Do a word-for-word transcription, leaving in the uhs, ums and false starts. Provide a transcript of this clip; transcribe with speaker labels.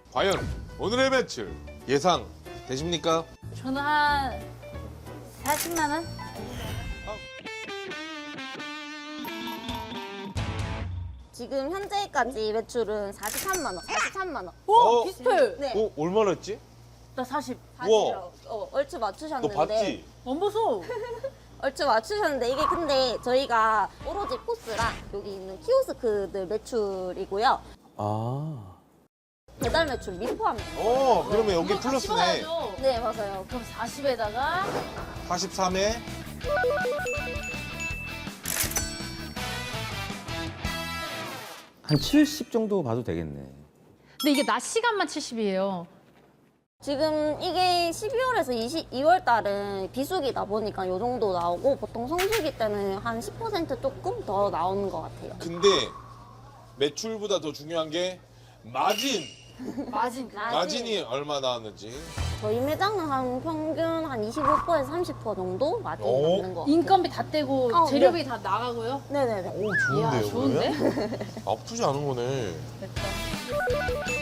Speaker 1: 과연 오늘의 매출 예상 되십니까?
Speaker 2: 저는 한 사십만 원?
Speaker 3: 지금 현재까지 매출은 사십삼만 원, 사십삼만 원.
Speaker 2: 오!
Speaker 1: 어?
Speaker 2: 비슷해!
Speaker 3: 네.
Speaker 1: 어, 얼마나 했지?
Speaker 2: 나 사십.
Speaker 1: 우와.
Speaker 3: 어, 얼추
Speaker 1: 너
Speaker 3: 맞추셨는데.
Speaker 1: 봤지?
Speaker 2: 안 보소.
Speaker 3: 얼추 맞추셨는데 이게 근데 저희가 오로지 포스랑 여기 있는 키오스크들 매출이고요.
Speaker 4: 아.
Speaker 3: 배달 매출 미포함입니다.
Speaker 1: 어, 그러면 여기
Speaker 2: 이거 다
Speaker 1: 플러스네.
Speaker 2: 씹어야죠.
Speaker 3: 네, 맞아요.
Speaker 2: 그럼 사십에다가
Speaker 1: 사십삼에
Speaker 4: 한 칠십 정도 봐도 되겠네.
Speaker 5: 근데 이게 낮 시간만 칠십이에요.
Speaker 3: 지금 이게 십이월에서 이월 달은 비수기다 보니까 이 정도 나오고 보통 성수기 때는 한 십 퍼센트 조금 더 나오는 것 같아요.
Speaker 1: 근데 매출보다 더 중요한 게 마진.
Speaker 2: 마진.
Speaker 1: 마진이 얼마 나왔는지.
Speaker 3: 저희 매장은 한 평균 한 이십오 퍼센트에서 삼십 퍼센트 정도 마진이
Speaker 1: 오.
Speaker 3: 남는 것 같아요.
Speaker 2: 인건비 다 떼고
Speaker 3: 어,
Speaker 2: 재료비 다 나가고요.
Speaker 3: 네네네.
Speaker 1: 오,
Speaker 2: 이야, 좋은데?
Speaker 1: 아프지 않은 거네.
Speaker 2: 됐다.